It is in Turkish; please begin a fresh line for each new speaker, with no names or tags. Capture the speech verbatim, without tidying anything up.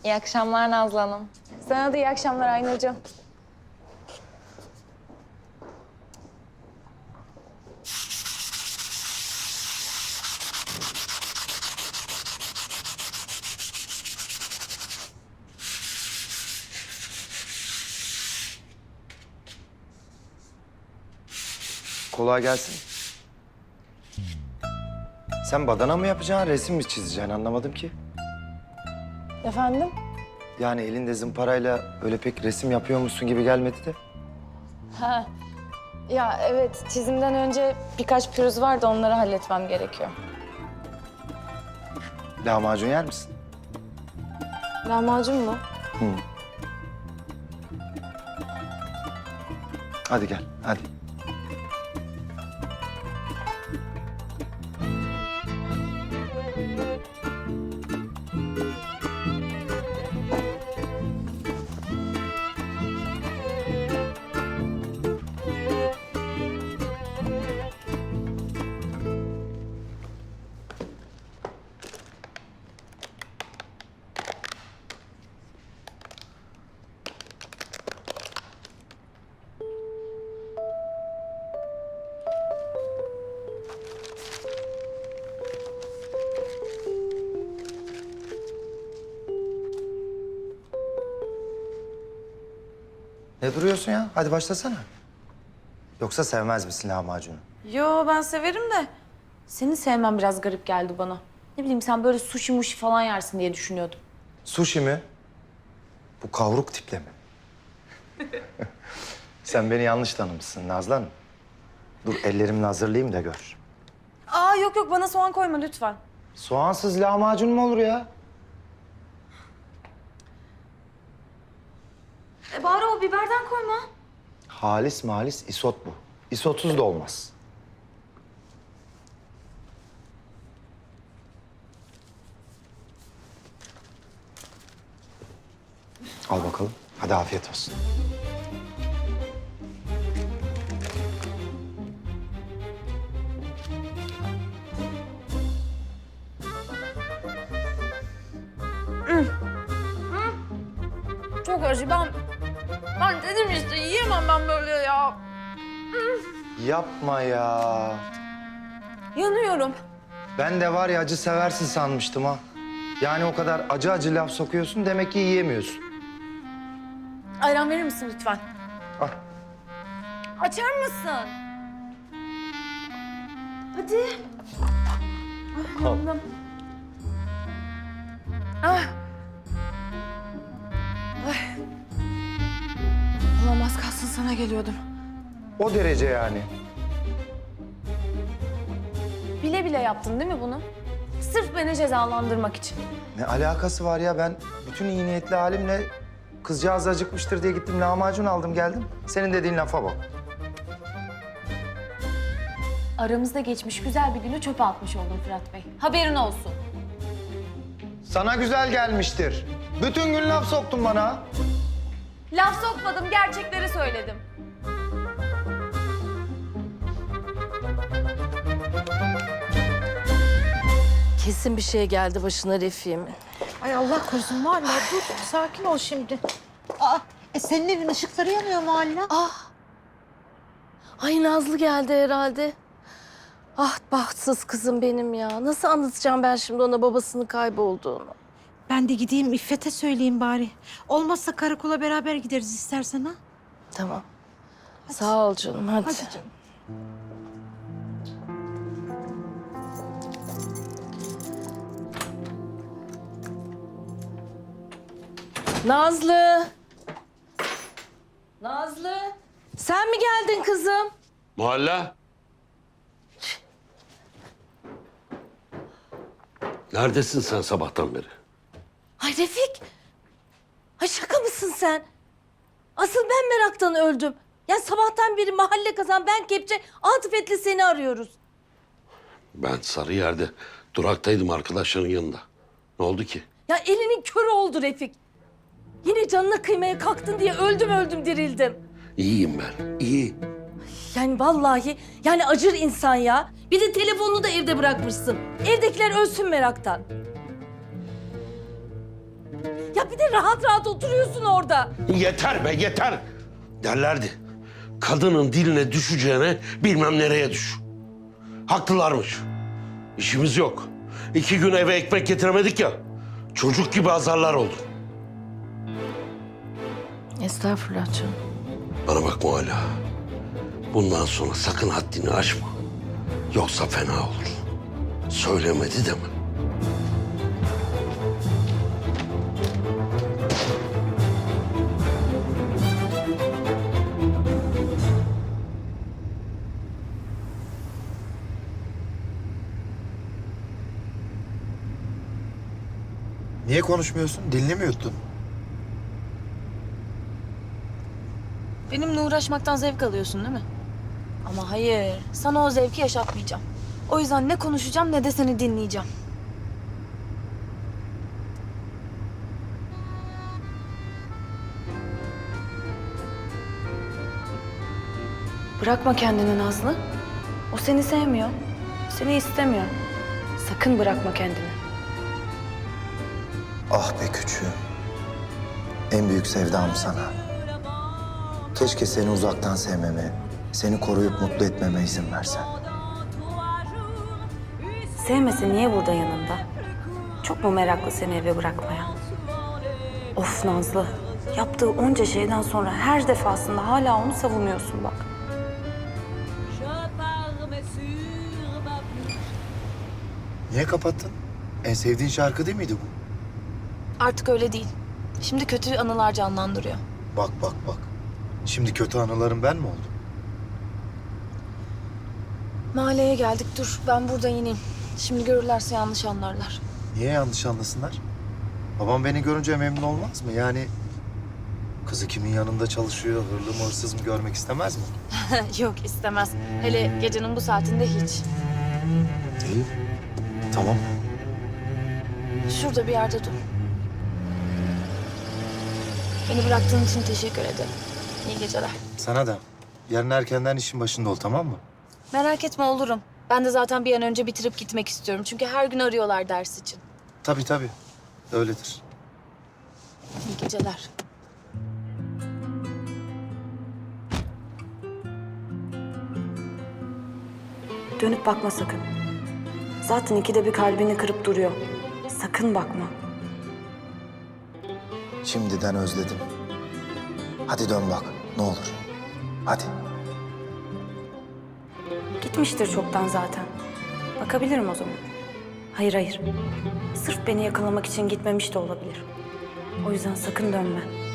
İyi akşamlar Nazlı Hanım.
Sana da iyi akşamlar Aynur'cum.
Kolay gelsin. Sen badana mı yapacaksın, resim mi çizeceksin anlamadım ki.
Efendim?
Yani elinde zımparayla öyle pek resim yapıyormuşsun gibi gelmedi de.
Ha. Ya evet, çizimden önce birkaç pürüz var da onları halletmem gerekiyor.
Lahmacun yer misin?
Lahmacun mu?
Hı. Hadi gel, hadi. Ne duruyorsun ya? Hadi başlasana. Yoksa sevmez misin lahmacunu?
Yo, ben severim de seni sevmem biraz garip geldi bana. Ne bileyim, sen böyle sushi muşi falan yersin diye düşünüyordum.
Sushi mi? Bu kavruk tiple mi? Sen beni yanlış tanımışsın Nazlı Hanım. Dur ellerimle hazırlayayım da gör.
Aa yok yok, bana soğan koyma lütfen.
Soğansız lahmacun mu olur ya?
E bari o biberden koyma.
Halis malis isot bu. İsotsuz da olmaz. Al bakalım. Hadi afiyet olsun.
Çok acı, ben... Ben dedim işte, yiyemem ben böyle ya.
Yapma ya.
Yanıyorum.
Ben de var ya acı seversin sanmıştım ha. Yani o kadar acı acı laf sokuyorsun demek ki yiyemiyorsun.
Ayran verir misin lütfen?
Al.
Açar mısın? Hadi. Ah, yandım. Ah. Ay. Olamaz, kalsın sana geliyordum.
O derece yani.
Bile bile yaptın değil mi bunu? Sırf beni cezalandırmak için.
Ne alakası var ya, ben bütün iyi niyetli halimle kızcağız acıkmıştır diye gittim lahmacun aldım geldim. Senin dediğin lafa bak.
Aramızda geçmiş güzel bir günü çöpe atmış oldun Fırat Bey. Haberin olsun.
Sana güzel gelmiştir. Bütün gün laf soktun bana.
Laf sokmadım, gerçekleri söyledim.
Kesin bir şey geldi başına Refik'imin.
Ay Allah korusun Muhalla, dur sakin ol şimdi. Aa, e senin evin ışıkları yanıyor Muhalla.
Ah! Ay Nazlı geldi herhalde. Ah bahtsız kızım benim ya. Nasıl anlatacağım ben şimdi ona babasının kaybolduğunu?
Ben de gideyim İffet'e söyleyeyim bari. Olmazsa karakola beraber gideriz istersen ha.
Tamam. Sağ ol canım hadi.
Hadi canım.
Nazlı! Nazlı! Sen mi geldin kızım?
Muhalla. Neredesin sen sabahtan beri?
Ay Refik! Ay şaka mısın sen? Asıl ben meraktan öldüm. Ya sabahtan beri mahalle kazan, ben kepçe, Atıfet'le seni arıyoruz.
Ben Sarıyer'de duraktaydım arkadaşların yanında. Ne oldu ki?
Ya elinin körü oldu Refik. Yine canına kıymaya kalktın diye öldüm öldüm dirildim.
İyiyim ben, iyi.
Yani vallahi yani acır insan ya. Bir de telefonunu da evde bırakmışsın. Evdekiler ölsün meraktan. Ya Bir de rahat rahat oturuyorsun orada.
Yeter be yeter. Derlerdi. Kadının diline düşeceğine bilmem nereye düş. Haklılarmış. İşimiz yok. İki gün eve ekmek getiremedik ya. Çocuk gibi azarlar oldu.
Estağfurullah canım.
Bana bak Mualla. Bundan sonra sakın haddini aşma. Yoksa fena olur. Söylemedi deme.
Niye konuşmuyorsun? Dilini mi yuttun?
Benimle uğraşmaktan zevk alıyorsun değil mi? Ama hayır, sana o zevki yaşatmayacağım. O yüzden ne konuşacağım ne de seni dinleyeceğim. Bırakma kendini Nazlı. O seni sevmiyor. Seni istemiyor. Sakın bırakma kendini.
Ah be küçüğüm. En büyük sevdam sana. Keşke seni uzaktan sevmeme, seni koruyup mutlu etmeme izin versen.
Sevmese niye burada yanında? Çok mu meraklı seni eve bırakmaya? Of Nazlı. Yaptığı onca şeyden sonra her defasında hala onu savunuyorsun bak.
Niye kapattın? En sevdiğin şarkı değil miydi bu?
Artık öyle değil. Şimdi kötü anılar canlandırıyor.
Bak bak bak. Şimdi kötü anılarım ben mi oldum?
Mahalleye geldik dur. Ben burada ineyim. Şimdi görürlerse yanlış anlarlar.
Niye yanlış anlasınlar? Babam beni görünce memnun olmaz mı? Yani kızı kimin yanında çalışıyor, hırlı mı hırsız mı görmek istemez mi?
Yok istemez. Hele gecenin bu saatinde hiç.
İyi. Tamam.
Şurada bir yerde dur. Beni bıraktığın için teşekkür ederim. İyi geceler.
Sana da. Yarın erkenden işin başında ol, tamam mı?
Merak etme olurum. Ben de zaten bir an önce bitirip gitmek istiyorum. Çünkü her gün arıyorlar ders için.
Tabii tabii. Öyledir.
İyi geceler. Dönüp bakma sakın. Zaten ikide bir kalbini kırıp duruyor. Sakın bakma.
Şimdiden özledim. Hadi dön bak, ne olur. Hadi.
Gitmiştir çoktan zaten. Bakabilirim o zaman. Hayır hayır. Sırf beni yakalamak için gitmemiş de olabilir. O yüzden sakın dönme.